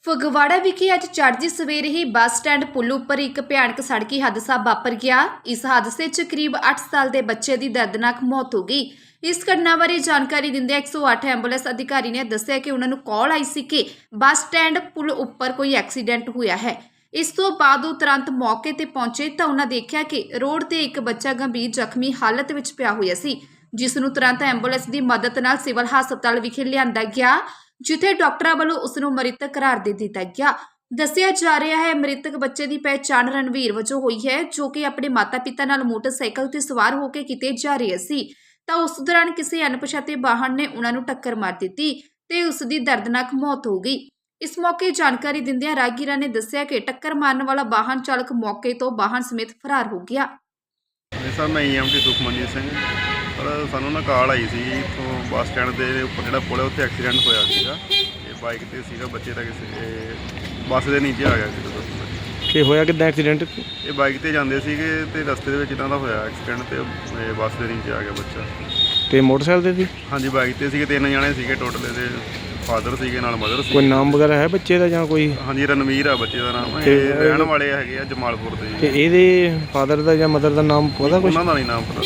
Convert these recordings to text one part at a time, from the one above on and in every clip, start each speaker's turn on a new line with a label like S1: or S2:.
S1: ਫਗਵਾੜਾ ਵਿਖੇ ਅੱਜ ਚੜ੍ਹਦੀ ਸਵੇਰੇ ਹੀ ਬੱਸ ਸਟੈਂਡ ਪੁਲ ਉੱਪਰ ਇੱਕ ਭਿਆਨਕ ਸੜਕੀ ਹਾਦਸਾ ਵਾਪਰ ਗਿਆ। ਇਸ ਹਾਦਸੇ 'ਚ ਕਰੀਬ 8 ਸਾਲ ਦੇ ਬੱਚੇ ਦੀ ਦਰਦਨਾਕ ਮੌਤ ਹੋ ਗਈ। ਇਸ ਘਟਨਾ ਬਾਰੇ ਜਾਣਕਾਰੀ ਦਿੰਦਿਆਂ 108 ਐਂਬੂਲੈਂਸ ਅਧਿਕਾਰੀ ਨੇ ਦੱਸਿਆ ਕਿ ਉਹਨਾਂ ਨੂੰ ਕਾਲ ਆਈ ਸੀ ਕਿ ਬੱਸ ਸਟੈਂਡ ਪੁਲ ਉੱਪਰ ਕੋਈ ਐਕਸੀਡੈਂਟ ਹੋਇਆ ਹੈ। ਇਸ ਤੋਂ ਬਾਅਦ ਉਹ ਤੁਰੰਤ ਮੌਕੇ ਤੇ ਪਹੁੰਚੇ ਤਾਂ ਉਹਨਾਂ ਦੇਖਿਆ ਕਿ ਰੋਡ ਤੇ ਇੱਕ ਬੱਚਾ ਗੰਭੀਰ ਜ਼ਖਮੀ ਹਾਲਤ ਵਿੱਚ ਪਿਆ ਹੋਇਆ ਸੀ, ਜਿਸ ਨੂੰ ਤੁਰੰਤ ਐਂਬੂਲੈਂਸ ਦੀ ਮਦਦ ਨਾਲ ਸਿਵਲ ਹਸਪਤਾਲ ਵਿਖੇ ਲਿਆਂਦਾ ਗਿਆ, ਜਿੱਥੇ ਡਾਕਟਰਾਂ ਵੱਲੋਂ ਉਸ ਨੂੰ ਮ੍ਰਿਤਕ ਕਰਾਰ ਦੇ ਦਿੱਤਾ ਗਿਆ। ਦੱਸਿਆ ਜਾ ਰਿਹਾ ਹੈ ਮ੍ਰਿਤਕ ਬੱਚੇ ਦੀ ਪਹਿਚਾਣ ਰਣਵੀਰ ਵਜੋਂ ਹੋਈ ਹੈ, ਜੋ ਕਿ ਆਪਣੇ ਮਾਤਾ-ਪਿਤਾ ਨਾਲ ਮੋਟਰਸਾਈਕਲ ਤੇ ਸਵਾਰ ਹੋ ਕੇ ਕਿਤੇ ਜਾ ਰਿਹਾ ਸੀ ਤਾਂ ਉਸ ਦੌਰਾਨ ਕਿਸੇ ਅਣਪਛਾਤੇ ਵਾਹਨ ਨੇ ਉਹਨਾਂ ਨੂੰ ਟੱਕਰ ਮਾਰ ਦਿੱਤੀ ਤੇ ਉਸ ਦੀ ਦਰਦਨਾਕ ਮੌਤ ਹੋ ਗਈ। ਇਸ ਮੌਕੇ ਜਾਣਕਾਰੀ ਦਿੰਦਿਆਂ ਰਾਹਗੀਰਾਂ ਨੇ ਦੱਸਿਆ ਕਿ ਟੱਕਰ ਮਾਰਨ ਵਾਲਾ ਵਾਹਨ ਚਾਲਕ ਮੌਕੇ ਤੋਂ ਵਾਹਨ ਸਮੇਤ ਫਰਾਰ ਹੋ ਗਿਆ।
S2: ਸਰ ਮੈਂ EMT ਸੁਖਮਨਜੀਤ ਸਿੰਘ। ਪਰ ਸਾਨੂੰ ਨਾ ਕਾਲ ਆਈ ਸੀ ਇੱਥੋਂ ਬੱਸ ਸਟੈਂਡ ਦੇ ਉੱਪਰ ਜਿਹੜਾ ਪੁਲ ਹੈ ਉੱਥੇ ਐਕਸੀਡੈਂਟ ਹੋਇਆ ਸੀਗਾ। ਇਹ ਬਾਈਕ ਤੇ ਸੀਗਾ, ਬੱਚੇ ਦਾ ਕਿਸੇ ਬੱਸ ਦੇ ਨੀਚੇ ਆ ਗਿਆ ਸੀ।
S3: ਕਿ ਹੋਇਆ ਕਿੱਦਾਂ ਐਕਸੀਡੈਂਟ?
S2: ਇਹ ਬਾਈਕ ਤੇ ਜਾਂਦੇ ਸੀਗੇ ਤੇ ਰਸਤੇ ਦੇ ਵਿੱਚ ਇਹਨਾਂ ਦਾ ਹੋਇਆ ਐਕਸੀਡੈਂਟ ਤੇ ਬੱਸ ਦੇ ਨੀਚੇ ਆ ਗਿਆ ਬੱਚਾ।
S3: ਤੇ ਮੋਟਰਸਾਈਕਲ ਤੇ ਸੀ?
S2: ਹਾਂਜੀ, ਬਾਈਕ ਤੇ ਸੀਗੇ, 3 ਜਣੇ ਸੀਗੇ ਟੋਟਲ। ਇਹਦੇ ਫਾਦਰ ਸੀਗੇ, ਨਾਲ ਮਦਰ ਸੀ।
S3: ਕੋਈ ਨਾਮ ਵਗੈਰਾ ਹੈ ਬੱਚੇ ਦਾ ਜਾਂ ਕੋਈ?
S2: ਹਾਂਜੀ, ਰਣਵੀਰ ਆ ਬੱਚੇ ਦਾ ਨਾਮ। ਇਹ ਰਹਿਣ ਵਾਲੇ ਹੈਗੇ ਆ ਜਮਾਲਪੁਰ ਦੇ।
S3: ਤੇ ਇਹਦੇ ਫਾਦਰ ਦਾ ਜਾਂ ਮਦਰ ਦਾ ਨਾਮ ਪਤਾ ਕੁਛ?
S2: ਉਹਨਾਂ ਦਾ ਨਹੀਂ ਨਾਮ ਪਤਾ।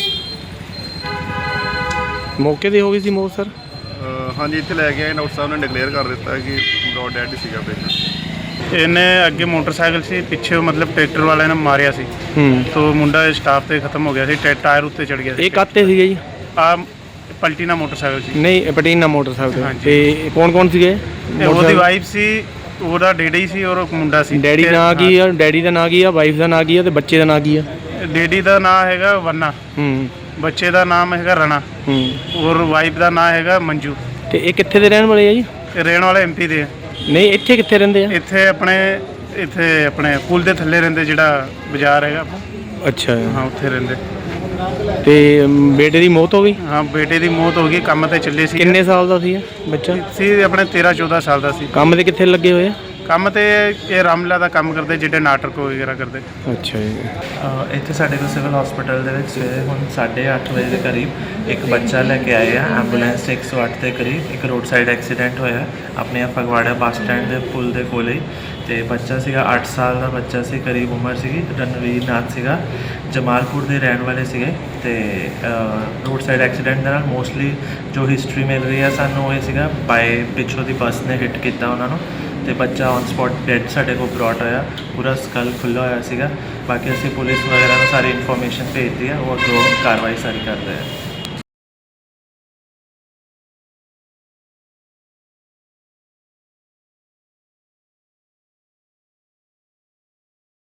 S3: ਮੌਕੇ ਤੇ ਹੋ ਗਈ ਸੀ ਮੌਤ ਸਰ?
S2: ਹਾਂਜੀ, ਇੱਥੇ ਲੈ ਕੇ ਆਏ ਡਾਕਟਰ ਸਾਹਿਬ ਨੇ ਡਿਕਲੇਅਰ ਕਰ ਦਿੱਤਾ ਕਿ ਬ੍ਰੌਡ ਡੈਡ ਸੀਗਾ ਪੇਸ਼ੈਂਟ।
S4: ਇਹਨੇ ਅੱਗੇ ਮੋਟਰਸਾਈਕਲ ਸੀ, ਪਿੱਛੇ ਮਤਲਬ ਟਰੈਕਟਰ ਵਾਲੇ ਨੇ ਮਾਰਿਆ ਸੀ ਤੋਂ ਮੁੰਡਾ ਸਟਾਪ ਤੇ ਖਤਮ ਹੋ ਗਿਆ ਸੀ, ਟਾਇਰ ਉੱਤੇ ਚੜ ਗਿਆ ਸੀ।
S3: ਇਹ ਕਾਤੇ ਸੀਗੇ ਜੀ?
S4: ਆ ਪਲਟੀਨਾ ਮੋਟਰਸਾਈਕਲ ਸੀ।
S3: ਨਹੀਂ, ਪਟੀਨਾ ਮੋਟਰਸਾਈਕਲ
S4: ਹਾਂਜੀ।
S3: ਤੇ ਕੌਣ ਕੌਣ ਸੀਗੇ?
S4: ਉਹਦੀ ਵਾਈਫ ਸੀ, ਉਹਦਾ ਡੈਡੀ ਸੀ ਔਰ ਮੁੰਡਾ ਸੀ।
S3: ਡੈਡੀ ਦਾ ਨਾਂ ਕੀ ਆ? ਡੈਡੀ ਦਾ ਨਾਂ ਕੀ ਆ? ਵਾਈਫ ਦਾ ਨਾਂ ਕੀ ਆ? ਤੇ ਬੱਚੇ ਦਾ ਨਾਂ ਕੀ ਆ?
S4: ਡੈਡੀ ਦਾ ਨਾਂ ਹੈਗਾ ਵੰਨਾ, ਬੱਚੇ ਦਾ ਨਾਮ ਹੈਗਾ ਰਣਾ ਔਰ ਵਾਈਫ ਦਾ ਨਾਂ ਹੈਗਾ ਮੰਜੂ।
S3: ਤੇ ਇਹ ਕਿੱਥੇ ਦੇ ਰਹਿਣ ਵਾਲੇ ਆ ਜੀ?
S4: ਇਹ ਰਹਿਣ ਵਾਲੇ MP ਦੇ।
S3: ਨਹੀਂ, ਇੱਥੇ ਕਿੱਥੇ ਰਹਿੰਦੇ ਆ?
S4: ਇੱਥੇ ਆਪਣੇ ਪੁਲ ਦੇ ਥੱਲੇ ਰਹਿੰਦੇ, ਜਿਹੜਾ ਬਾਜ਼ਾਰ ਹੈਗਾ ਆਪਣਾ।
S3: ਅੱਛਾ,
S4: ਹਾਂ, ਉੱਥੇ ਰਹਿੰਦੇ।
S3: ਤੇ ਬੇਟੇ ਦੀ ਮੌਤ ਹੋ ਗਈ?
S4: ਹਾਂ, ਬੇਟੇ ਦੀ ਮੌਤ ਹੋ ਗਈ। ਕੰਮ ਤੇ ਚੱਲੇ ਸੀ।
S3: ਕਿੰਨੇ ਸਾਲ ਦਾ ਸੀ ਬੱਚਾ?
S4: ਸੀ ਆਪਣੇ 13-14 ਸਾਲ ਦਾ ਸੀ।
S3: ਕੰਮ ਤੇ ਕਿੱਥੇ ਲੱਗੇ ਹੋਏ ਆ?
S4: ਕੰਮ ਤੇ ਇਹ ਰਾਮਲਾ ਦਾ ਕੰਮ ਕਰਦੇ, ਜਿਹੜੇ ਨਾਟਕ ਵਗੈਰਾ ਕਰਦੇ।
S3: ਅੱਛਾ ਜੀ।
S5: ਇੱਥੇ ਸਾਡੇ ਕੋਲ ਸਿਵਲ ਹਸਪੀਟਲ ਦੇ ਵਿੱਚ ਸਵੇਰੇ ਹੁਣ 8:30 ਵਜੇ ਦੇ ਕਰੀਬ ਇੱਕ ਬੱਚਾ ਲੈ ਕੇ ਆਏ ਆ ਐਂਬੂਲੈਂਸ 108 ਦੇ ਕਰੀਬ। ਇੱਕ ਰੋਡ ਸਾਈਡ ਐਕਸੀਡੈਂਟ ਹੋਇਆ ਆਪਣੇ ਫਗਵਾੜਾ ਬੱਸ ਸਟੈਂਡ ਦੇ ਪੁਲ ਦੇ ਕੋਲੇ ਤੇ ਬੱਚਾ ਸੀਗਾ 8 ਸਾਲ ਦਾ ਬੱਚਾ ਸੀ, ਕਰੀਬ ਉਮਰ ਸੀਗੀ। ਰਣਵੀਰ ਨਾਥ ਸੀਗਾ, ਜਮਾਲਪੁਰ ਦੇ ਰਹਿਣ ਵਾਲੇ ਸੀਗੇ। ਤੇ ਰੋਡ ਸਾਈਡ ਐਕਸੀਡੈਂਟ ਦੇ ਨਾਲ ਮੋਸਟਲੀ ਜੋ ਹਿਸਟਰੀ ਮਿਲ ਰਹੀ ਹੈ ਸਾਨੂੰ, ਇਹ ਸੀਗਾ ਬਾਏ ਪਿੱਛੋਂ ਦੀ ਬੱਸ ਨੇ ਹਿੱਟ ਕੀਤਾ ਉਹਨਾਂ ਨੂੰ ਤੇ ਬੱਚਾ ਔਨ ਸਪੌਟ ਡੈਡ ਸਾਡੇ ਕੋਲ ਬ੍ਰੌਟ ਹੋਇਆ। ਪੂਰਾ ਸਕਲ ਖੁੱਲ੍ਹਾ ਹੋਇਆ ਸੀਗਾ। ਬਾਕੀ ਅਸੀਂ ਪੁਲਿਸ ਵਗੈਰਾ ਨੂੰ ਸਾਰੀ ਇਨਫੋਰਮੇਸ਼ਨ ਭੇਜਦੀ ਹੈ, ਉਹ ਅੱਗੋਂ ਕਾਰਵਾਈ ਸਾਰੀ ਕਰ ਰਹੇ ਆ।